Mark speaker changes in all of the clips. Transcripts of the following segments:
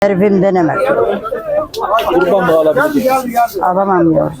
Speaker 1: Herifimden emekli.
Speaker 2: Kurban mı alabilecek misin?
Speaker 1: Alamam yavrum.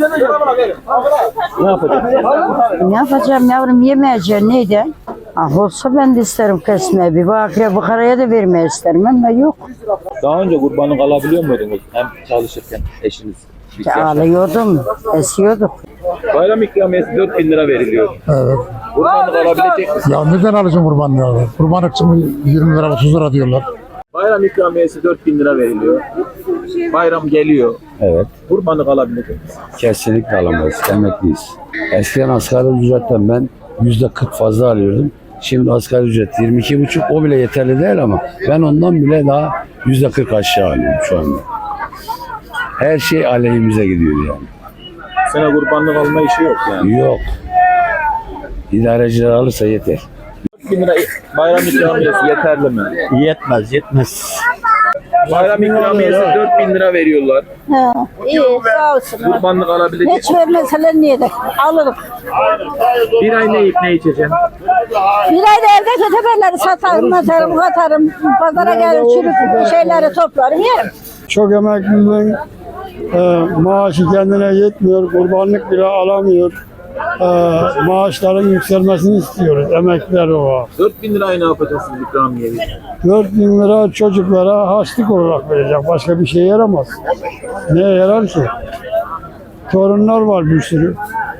Speaker 2: Ne yapacaksın?
Speaker 1: Ne yapacağım yavrum, yemeyeceğim neydi? Ah olsa ben de isterim kesmeye. Bir bakire bukaraya da vermeyi isterim ama yok.
Speaker 2: Daha önce kurbanlık alabiliyor muydunuz? Hem çalışırken eşiniz.
Speaker 1: Ağlıyordum, esiyorduk.
Speaker 2: Bayram ikramiyesi 4.000 lira veriliyor.
Speaker 3: Evet.
Speaker 2: Kurbanlık alabilecek misin?
Speaker 3: Ya neden alacağım kurbanlığı abi? Kurbanlık için 20 lira 30 lira diyorlar.
Speaker 2: Bayram ikramiyesi 4.000 lira veriliyor. Bayram geliyor.
Speaker 4: Evet,
Speaker 2: Kurbanlık alabilecek misin?
Speaker 4: kesinlikle alamayız. Emekliyiz. Eskiden asgari ücretten ben %40 fazla alıyordum. Şimdi asgari ücret 22,5, o bile yeterli değil ama ben ondan bile daha %40 aşağı alıyorum şu anda. Her şey aleyhimize gidiyor yani.
Speaker 2: Sana kurbanlık alma işi yok yani.
Speaker 4: Yok. İdareciler alırsa yeter.
Speaker 2: 4.000 lira bayram ikramiyesi yeterli mi?
Speaker 4: Yetmez.
Speaker 2: Bayram ikramiyesi 4.000 lira veriyorlar.
Speaker 1: İyi sağ olsun.
Speaker 2: Kurbanlık alabilecek
Speaker 1: Hiç vermeseler niye de alırım.
Speaker 2: Bir ay ne yiyip ne içeceksin?
Speaker 1: Bir ayda evde kötebeleri satarım, atarım, katarım. Pazara gelir çürük şeyleri toplarım yerim.
Speaker 3: Çok emeklinin maaşı kendine yetmiyor. Kurbanlık bile alamıyor. Maaşların yükselmesini istiyoruz. Emekliler o.
Speaker 2: 4.000 lirayı ne yapacaksınız ikramiyeyi?
Speaker 3: 4.000 lira çocuklara harçlık olarak verecek. Başka bir şey yaramaz. Neye yarar ki? Torunlar var bir sürü.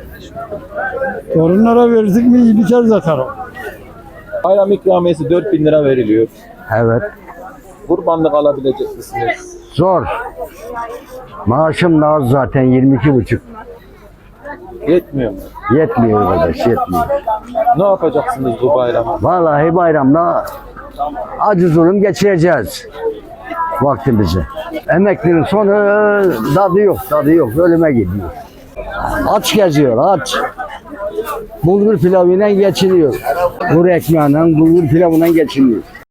Speaker 3: Torunlara verdik mi biter zaten o.
Speaker 2: Bayram ikramiyesi 4.000 lira veriliyor.
Speaker 4: Evet.
Speaker 2: Kurbanlık alabilecek misiniz?
Speaker 4: Zor. Maaşım da az zaten 22,5.
Speaker 2: Yetmiyor mu?
Speaker 4: Yetmiyor arkadaş, yetmiyor.
Speaker 2: Ne yapacaksınız bu bayramı?
Speaker 4: Vallahi bayramda acı zulüm geçireceğiz vaktimizi. Emeklinin sonu tadı yok, ölüme gidiyor. Aç geziyor, aç. Bulgur pilavıyla geçiniyor. Kuru ekmeğiyle, bulgur pilavıyla geçiniyor.